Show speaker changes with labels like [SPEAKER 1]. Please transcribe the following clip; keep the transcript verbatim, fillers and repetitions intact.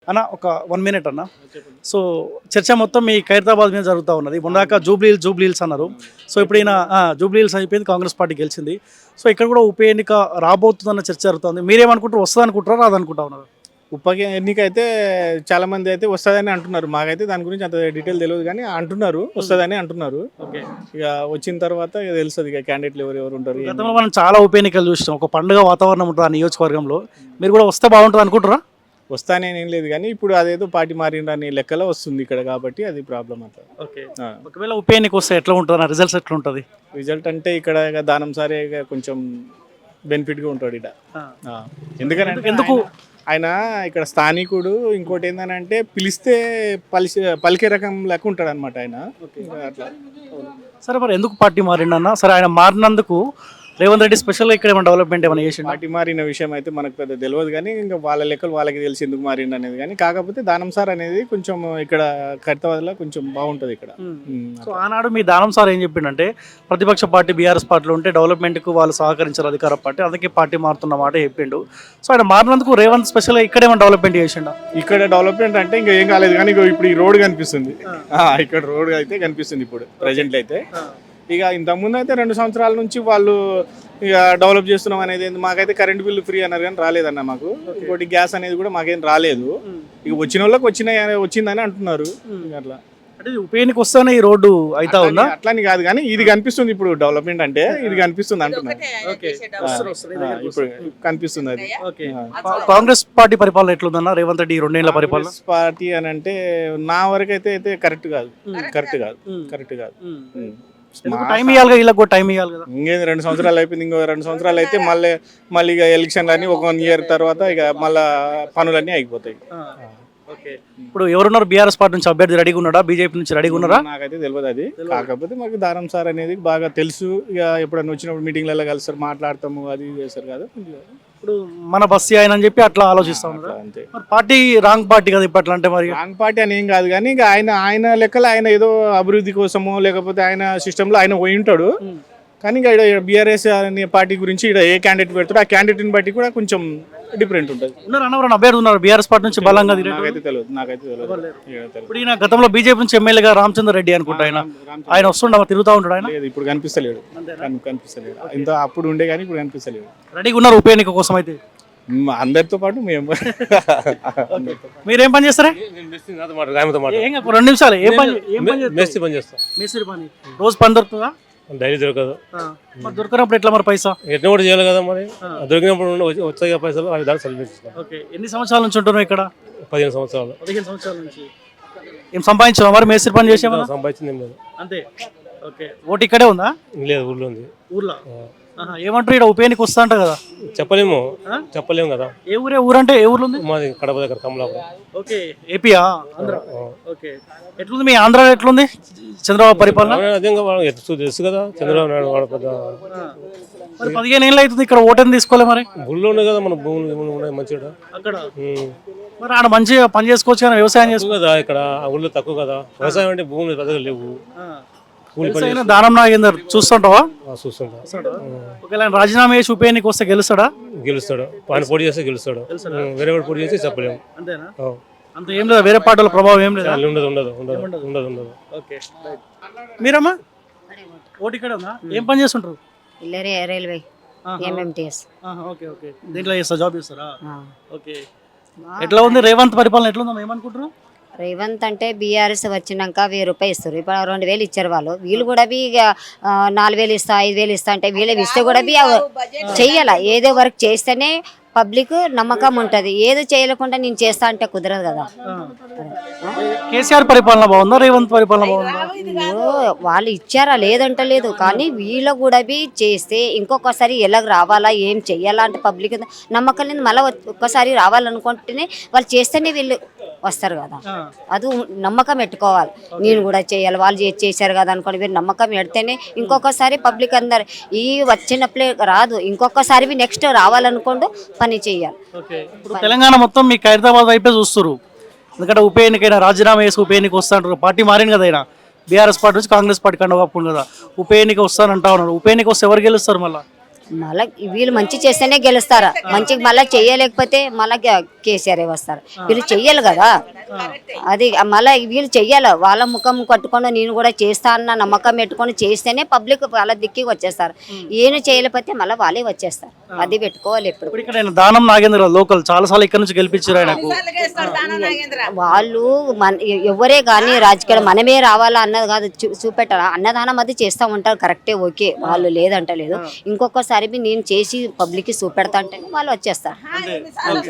[SPEAKER 1] అన్న ఒక one minute అన్న. సో చర్చ మొత్తం మీ ఖైరతాబాద్ మీద జరుగుతూ ఉన్నది. మొన్నదాకా జూబ్లీ హిల్స్ జూబ్లీ హిల్స్ అన్నారు. సో ఇప్పుడు ఈయన జూబ్లీ హిల్స్ అయిపోయింది, కాంగ్రెస్ పార్టీ గెలిచింది. సో ఇక్కడ కూడా ఉప ఎన్నిక రాబోతుందన్న చర్చ జరుగుతుంది. మీరేమనుకుంటారు, వస్తుంది అనుకుంటారా రాదనుకుంటా ఉన్నారు?
[SPEAKER 2] ఉప ఎన్నిక అయితే చాలా మంది అయితే వస్తుందని అంటున్నారు. మాకైతే దాని గురించి అంత డీటెయిల్ తెలియదు కానీ అంటున్నారు వస్తుందని అంటున్నారు.
[SPEAKER 1] ఓకే,
[SPEAKER 2] ఇక వచ్చిన తర్వాత ఇక తెలుస్తుంది ఇక క్యాండిడేట్లు ఎవరు ఎవరు ఉంటారు.
[SPEAKER 1] గతంలో మనం చాలా ఉప ఎన్నికలు చూసినాం. ఒక పండుగ వాతావరణం ఉంటుంది ఆ నియోజకవర్గంలో. మీరు కూడా వస్తే బాగుంటుంది అనుకుంటారా?
[SPEAKER 2] వస్తానే ఏం లేదు కానీ ఇప్పుడు అదేదో పార్టీ మారిండని లెక్కలో వస్తుంది ఇక్కడ, కాబట్టి అది ప్రాబ్లం అంతా.
[SPEAKER 1] ఓకే, ఒకవేళ ఉప ఎన్నిక వస్తే ఎట్లా ఉంటుంది, రిజల్ట్స్ ఎట్లా ఉంటుంది?
[SPEAKER 2] రిజల్ట్ అంటే ఇక్కడ ఇక దానం సరే ఇక కొంచెం బెనిఫిట్గా ఉంటాడు ఇక్కడ. ఎందుకంటే
[SPEAKER 1] ఎందుకు
[SPEAKER 2] ఆయన ఇక్కడ స్థానికుడు. ఇంకోటి ఏంటంటే పిలిస్తే పలిసి పలికే రకం లెక్క ఉంటాడు అనమాట ఆయన. అట్లా
[SPEAKER 1] సరే, మరి ఎందుకు పార్టీ మారిండన్న? సరే, ఆయన మారినందుకు రేవంత్ రెడ్డి స్పెషల్గా ఇక్కడ ఏమైనా డెవలప్మెంట్ ఏమైనా చేసి?
[SPEAKER 2] పార్టీ మారిన విషయం అయితే మనకు పెద్ద తెలియదు కానీ ఇంకా వాళ్ళ లెక్కలు వాళ్ళకి తెలిసి ఎందుకు మారిండు అనేది. కానీ కాకపోతే దానం సార్ అనేది కొంచెం ఇక్కడ ఖైరతాబాద్లో కొంచెం బాగుంటుంది ఇక్కడ.
[SPEAKER 1] సో ఆనాడు మీ దానం సార్ ఏం చెప్పిండంటే, ప్రతిపక్ష పార్టీ బీఆర్ఎస్ పార్టీలో ఉంటే డెవలప్మెంట్కు వాళ్ళు సహకరించారు అధికార పార్టీ, అందుకే పార్టీ మారుతున్న మాట చెప్పిండు. సో ఆయన మారినందుకు రేవంత్ స్పెషల్గా ఇక్కడ ఏమైనా డెవలప్మెంట్ చేసిండా?
[SPEAKER 2] ఇక్కడ డెవలప్మెంట్ అంటే ఇంకా ఏం కాలేదు కానీ ఇప్పుడు ఈ రోడ్ కనిపిస్తుంది. ఇక్కడ రోడ్ అయితే కనిపిస్తుంది ఇప్పుడు ప్రజెంట్ అయితే. ఇక ఇంతకుముందు అయితే రెండు సంవత్సరాల నుంచి వాళ్ళు ఇక డెవలప్ చేస్తున్నాం అనేది. మాకైతే కరెంట్ బిల్లు ఫ్రీ అన్నారు కానీ రాలేదన్న మాకు. ఇంకోటి గ్యాస్ అనేది కూడా మాకేం రాలేదు. ఇక వచ్చిన వాళ్ళకి వచ్చిన వచ్చిందని అంటున్నారు. అట్లా
[SPEAKER 1] అంటే ఉప ఎన్నిక వస్తేనే ఈ రోడ్డు అయితే ఉందా?
[SPEAKER 2] అట్లని కాదు కానీ ఇది కనిపిస్తుంది ఇప్పుడు డెవలప్మెంట్ అంటే ఇది కనిపిస్తుంది అంటున్నారు. ఇప్పుడు కనిపిస్తుంది అది.
[SPEAKER 1] కాంగ్రెస్ పార్టీ పరిపాలన ఎట్లుందన్న రేవంత్ రెడ్డి రెండేళ్ల పరిపాలన?
[SPEAKER 2] పార్టీ అని అంటే నా వరకు అయితే అయితే కరెక్ట్ కాదు కరెక్ట్ కాదు కరెక్ట్ కాదు
[SPEAKER 1] టైం ఇవ్వాలి, వీళ్ళకి కూడా టైం ఇవ్వాలి కదా.
[SPEAKER 2] ఇంకేంది రెండు సంవత్సరాలు అయిపోయింది, ఇంకో రెండు సంవత్సరాలు అయితే మళ్ళీ మళ్ళీ ఇక ఎలక్షన్లు అన్నీ ఒక వన్ ఇయర్ తర్వాత ఇక మళ్ళీ పనులన్నీ అయిపోతాయి.
[SPEAKER 1] ఓకే, ఇప్పుడు ఎవరున్నారు బీఆర్ఎస్ పార్టీ నుంచి అభ్యర్థి రెడీగా ఉన్నాడా, బీజేపీ నుంచి రెడీగా ఉన్నారా?
[SPEAKER 2] నాకైతే తెలియదు అది. కాకపోతే మాకు దారం సార్ అనేది బాగా తెలుసు. ఇక ఎప్పుడన్నా వచ్చినప్పుడు మీటింగ్లలో కలుస్తారు, మాట్లాడతాము, అది చేస్తారు కదా.
[SPEAKER 1] ఇప్పుడు మన బస్సు ఆయన అని చెప్పి అట్లా ఆలోచిస్తా ఉన్నారు.
[SPEAKER 2] అంతే,
[SPEAKER 1] పార్టీ రాంగ్ పార్టీ కదా ఇప్పట్లో. అంటే మరి
[SPEAKER 2] రాంగ్ పార్టీ అని ఏం కాదు కానీ ఇక ఆయన ఆయన లెక్కలు ఆయన ఏదో అభివృద్ధి కోసమో లేకపోతే ఆయన సిస్టంలో ఆయన పోయి ఉంటాడు. కానీ ఇక ఇక్కడ బీఆర్ఎస్ అనే పార్టీ గురించి ఇక్కడ ఏ క్యాండిడేట్ పెడతాడు ఆ క్యాండిడేట్ని బట్టి కూడా కొంచెం డిఫరెంట్ ఉంటుంది.
[SPEAKER 1] ఉన్నారు అన్నవరం అభ్యర్థి ఉన్నారు బీఆర్ఎస్ పార్టీ నుంచి బలంగా.
[SPEAKER 2] నాకైతే తెలియదు నాకైతే తెలియదు.
[SPEAKER 1] ఇప్పుడు ఈయన గతంలో బీజేపీ నుంచి ఎమ్మెల్యేగా రామచంద్ర రెడ్డి అనుకుంటా ఆయన ఆయన వస్తుండ తిరుగుతూ ఉంటాడు. ఆయన
[SPEAKER 2] లేదు ఇప్పుడు కనిపిస్తలేడు కనిపిస్తలేడు ఇంత అప్పుడు ఉండే కానీ ఇప్పుడు కనిపిస్తలేడు.
[SPEAKER 1] రెడీగా ఉన్నారు ఉప ఎన్నిక కోసం అయితే
[SPEAKER 2] అందరితో పాటు మేము.
[SPEAKER 1] మీరేం పని చేస్తారా? రెండు నిమిషాలు. ఏం పని? మేస్త్రి పని. రోజు పని దొరుకుతుందా?
[SPEAKER 3] డైలీ దొరకదు.
[SPEAKER 1] మరి దొరకనప్పుడు ఎట్లా మరి పైసా?
[SPEAKER 3] ఎట్లా కూడా చేయాలి కదా మరి. దొరికినప్పుడు వచ్చాయి పైసలు అవి దాన్ని సరిపించాం.
[SPEAKER 1] ఓకే, ఎన్ని సంవత్సరాల నుంచి ఉంటున్నావు ఇక్కడ?
[SPEAKER 3] పదిహేను సంవత్సరాలు.
[SPEAKER 1] పదిహేను సంవత్సరాల నుంచి ఏం సంపాదించావా మరి? మేస్త్రి పని చేసావా?
[SPEAKER 3] సంపాదించింది ఏం లేదు.
[SPEAKER 1] అంతే. ఓకే, ఓటు ఇక్కడే ఉందా?
[SPEAKER 3] లేదు, ఊర్లో ఉంది.
[SPEAKER 1] ఊర్లో ఏమంటారు? ఇక్కడ ఉప ఎన్నిక వస్తా అంట కదా.
[SPEAKER 3] చెప్పలేము చెప్పలేము కదా.
[SPEAKER 1] ఏ ఊరే? ఊరంటే ఏ ఊర్లో ఉంది?
[SPEAKER 3] మాది కడప దగ్గర కమలాపురం.
[SPEAKER 1] ఓకే, ఏపీయా? ఆంధ్ర. ఓకే, ఎట్లుంది మీ ఆంధ్ర? ఎట్లుంది చంద్రబాబు పరిపాలన?
[SPEAKER 3] అదే తెలుసు కదా చంద్రబాబు నాయుడు వాడు పెద్ద.
[SPEAKER 1] మరి పదిహేను ఏళ్ళు అవుతుంది ఇక్కడ ఓటని తీసుకోలే మరి.
[SPEAKER 3] ఊళ్ళో ఉన్నాయి కదా మన భూములు ఉన్నాయి మంచిగా
[SPEAKER 1] అక్కడ. మరి ఆడ మంచిగా పని చేసుకోవచ్చు కదా, వ్యవసాయం చేసుకో
[SPEAKER 3] కదా. ఇక్కడ ఊళ్ళో తక్కువ కదా వ్యవసాయం అంటే భూములు పెద్దగా లేవు.
[SPEAKER 1] దానం నాగేందర్ చూస్తుంటావా?
[SPEAKER 3] చూస్తుంటా.
[SPEAKER 1] ఒకవేళ రాజీనామా చేసి ఉప ఎన్నిక వస్తే గెలుస్తాడా?
[SPEAKER 3] గెలుస్తాడు. ఆయన పోటీ చేస్తే గెలుస్తాడు. వేరే వాడు పోటీ చేస్తే చెప్పలేము.
[SPEAKER 1] అంతేనా? అంత ఏం లేదా? వేరే పార్టీల ప్రభావం ఏం లేదా?
[SPEAKER 3] ఉండదు ఉండదు ఉండదు ఉండదు ఉండదు.
[SPEAKER 1] ఓకే, మీరమ్మా ఓటు ఇక్కడ ఉందా? ఏం పని చేస్తుంటారు?
[SPEAKER 4] Railway MMTS.
[SPEAKER 1] ఓకే ఓకే, దీంట్లో చేస్తా జాబ్ చేస్తారా? ఓకే, ఎట్లా ఉంది రేవంత్ పరిపాలన? ఎట్లా ఉందా ఏమనుకుంటారు?
[SPEAKER 4] రేవంత్ అంటే బీఆర్ఎస్ వచ్చినాక వెయ్యి రూపాయలు ఇస్తారు. ఇప్పుడు రెండు వేలు ఇచ్చారు వాళ్ళు. వీళ్ళు కూడా బి నాలుగు వేలు ఇస్తా ఐదు వేలు ఇస్తా అంటే వీళ్ళు ఇస్తే కూడా బి చెయ్యాల. ఏదో వర్క్ చేస్తేనే పబ్లిక్ నమ్మకం ఉంటుంది. ఏదో చేయలేకుండా నేను చేస్తా అంటే కుదరదు కదా.
[SPEAKER 1] కేసీఆర్ పరిపాలన బాగుందా రేవంత్ పరిపాలన బాగుందా?
[SPEAKER 4] వాళ్ళు ఇచ్చారా లేదంటలేదు కానీ వీళ్ళు కూడా బి చేస్తే ఇంకొకసారి ఎలా రావాలా ఏం చెయ్యాలా అంటే పబ్లిక్ నమ్మకం లేదు. మళ్ళీ ఒక్కసారి రావాలనుకుంటేనే వాళ్ళు చేస్తేనే వీళ్ళు వస్తారు కదా. అది నమ్మకం పెట్టుకోవాలి. నేను కూడా చేయాలి వాళ్ళు చేశారు కదా అనుకోండి. మీరు నమ్మకం పెడితేనే ఇంకొకసారి పబ్లిక్ అందరు ఈ వచ్చినప్పుడే రాదు, ఇంకొకసారి నెక్స్ట్ రావాలనుకోండు పని చేయాలి.
[SPEAKER 1] తెలంగాణ మొత్తం మీ ఖైరతాబాద్ వైపే చూస్తారు. ఎందుకంటే ఉప ఎన్నికైనా రాజీనామా వేసి ఉప ఎన్నిక వస్తా అంటారు. పార్టీ మారింది కదా, అయినా బీఆర్ఎస్ పార్టీ నుంచి కాంగ్రెస్ పార్టీ కండ కప్పుకుంది కదా. ఉప ఎన్నిక వస్తానంటా ఉన్నారు. ఉప ఎన్నిక వస్తే ఎవరు గెలుస్తారు? మళ్ళీ
[SPEAKER 4] మళ్ళా వీళ్ళు మంచి చేస్తేనే గెలుస్తారా, మంచి మళ్ళీ చెయ్యలేకపోతే మళ్ళా కేసీఆర్ వస్తారు. వీళ్ళు చెయ్యాలి కదా, అది మళ్ళీ వీళ్ళు చెయ్యాలి. వాళ్ళ ముఖం కట్టుకొని నేను కూడా చేస్తా అన్న నమ్మకం పెట్టుకొని చేస్తేనే పబ్లిక్ వాళ్ళ దిక్కి వచ్చేస్తారు. ఏం చేయలేకపోతే మళ్ళీ వాళ్ళే వచ్చేస్తారు. అది పెట్టుకోవాలి ఎప్పుడు.
[SPEAKER 1] ఇప్పుడు ఇక్కడ ఆయన దానం నాగేంద్ర లోకల్ చాలా సార్లు ఇక్కడ నుంచి గెలిపించారు ఆయనకు.
[SPEAKER 4] వాళ్ళు మన ఎవరే కానీ రాజకీయాలు మనమే రావాలా అన్నది కాదు, చూ- చూపెట్టాలి. అన్నదానం అది చేస్తూ ఉంటారు కరెక్టే, ఓకే, వాళ్ళు లేదంటలేదు. ఇంకొకసారి నేను చేసి పబ్లిక్కి చూపెడతా అంటే వాళ్ళు వచ్చేస్తారు.